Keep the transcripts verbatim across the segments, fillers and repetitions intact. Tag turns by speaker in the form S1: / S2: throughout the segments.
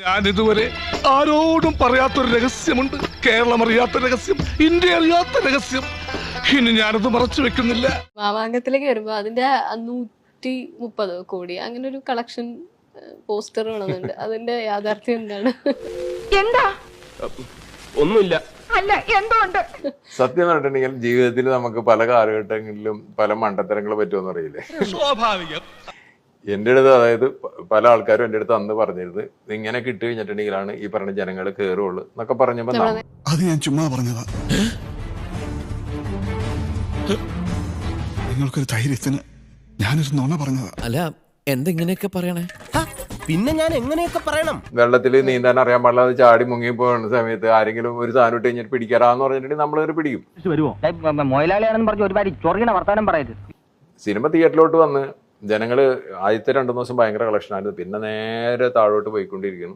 S1: ഞാൻ ഇതുവരെ ആരോടും പറയാത്തൊരു രഹസ്യമുണ്ട്. കേരളം അറിയാത്ത രഹസ്യം, ഇന്ത്യ അറിയാത്ത രഹസ്യം. ഇനി ഞാനത് മറച്ചു വെക്കുന്നില്ല.
S2: മാമാങ്കത്തിലേക്ക് വരുമ്പോ അതിന്റെ നൂറ്റി മുപ്പത് കോടി അങ്ങനെ ഒരു കളക്ഷൻ പോസ്റ്റർ വേണമെന്നുണ്ട്. അതിന്റെ യാഥാർത്ഥ്യം എന്താണ്?
S3: എന്താ?
S4: ഒന്നുമില്ല.
S3: അല്ല എന്തോ ഉണ്ട്.
S5: സത്യം പറഞ്ഞിട്ടുണ്ടെങ്കിൽ ജീവിതത്തിൽ നമുക്ക് പല കാലഘട്ടങ്ങളിലും പല മണ്ടത്തരങ്ങൾ പറ്റുമെന്ന് അറിയില്ലേ.
S1: സ്വാഭാവികം.
S5: എൻ്റെ അടുത്ത് അതായത് പല ആൾക്കാരും എൻ്റെ അടുത്ത് അന്ന് പറഞ്ഞിരുന്നത് ഇങ്ങനെ കിട്ടി കഴിഞ്ഞിട്ടുണ്ടെങ്കിലാണ് ഈ പറഞ്ഞ ജനങ്ങൾ കയറുള്ളൂ എന്നൊക്കെ പറഞ്ഞപ്പോ
S6: അത് ഞാൻ ചുമ്മാ പറഞ്ഞതാ. നിങ്ങൾക്കൊരു ധൈര്യത്തിന് ഞാനൊരു നുണ പറഞ്ഞതാ.
S7: അല്ല എന്തെങ്ങനെയൊക്കെ പറയണേ?
S4: പിന്നെ ഞാൻ എങ്ങനെയൊക്കെ പറയണം?
S5: വെള്ളത്തിൽ നീന്താൻ അറിയാൻ പാടില്ലാതെ ചാടി മുങ്ങി പോകുന്ന സമയത്ത് ആരെങ്കിലും ഒരു സാധനം ഇട്ട് കഴിഞ്ഞിട്ട് പിടിക്കാറാന്ന് പറഞ്ഞിട്ടുണ്ടെങ്കിൽ നമ്മളൊരു പിടിക്കും.
S3: മൊയിലാളിയാണെന്ന് പറഞ്ഞ് ഒരുപാട് ചൊറിയണ വർത്താനം പറയരുത്.
S5: സിനിമ തിയേറ്ററിലോട്ട് വന്ന് ജനങ്ങള് ആദ്യത്തെ രണ്ടു ദിവസം ഭയങ്കര കളക്ഷൻ ആയിരുന്നു. പിന്നെ നേരെ താഴോട്ട് പോയിക്കൊണ്ടിരിക്കുന്നു.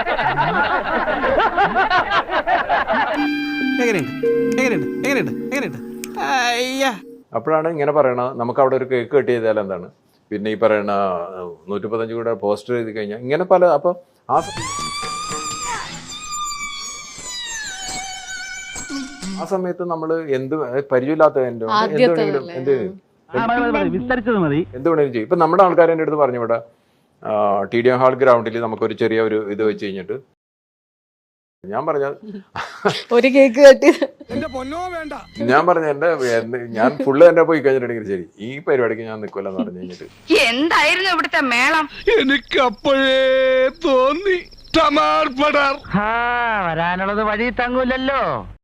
S5: അപ്പോഴാണ് ഇങ്ങനെ പറയണ നമുക്ക് അവിടെ ഒരു കേക്ക് കട്ട് ചെയ്താൽ എന്താണ്, പിന്നെ ഈ പറയണ നൂറ്റിപ്പത്തഞ്ച് കൂടെ പോസ്റ്റർ എഴുതി കഴിഞ്ഞാൽ ഇങ്ങനെ പല. അപ്പൊ ആ ആ സമയത്ത് നമ്മള് എന്ത് പരിചയമില്ലാത്ത എന്റെ എന്തുവേണമെങ്കിലും എന്ത്
S3: വിസ്തരിച്ചത് മതി.
S5: എന്ത് വേണമെങ്കിലും ചെയ്യും. ഇപ്പൊ നമ്മുടെ ആൾക്കാർ എൻ്റെ അടുത്ത് പറഞ്ഞു, ഇവിടെ ടി ഡി എം ഹാൾ ഗ്രൗണ്ടിൽ നമുക്കൊരു ചെറിയ ഒരു ഇത് വെച്ച് കഴിഞ്ഞിട്ട് ഞാൻ പറഞ്ഞ
S2: ഒരു കേക്ക് കട്ടി
S5: ഞാൻ പറഞ്ഞ എന്റെ ഞാൻ ഫുള്ള് എന്റെ പോയി കഴിഞ്ഞിട്ടുണ്ടെങ്കിൽ ശരി ഈ പരിപാടിക്ക് ഞാൻ നിൽക്കില്ലെന്ന് പറഞ്ഞു കഴിഞ്ഞിട്ട്
S3: എന്തായിരുന്നു ഇവിടുത്തെ മേളം?
S1: എനിക്ക് അപ്പോഴേ തോന്നി.
S3: വരാനുള്ളത് വഴി തങ്ങൂലല്ലോ.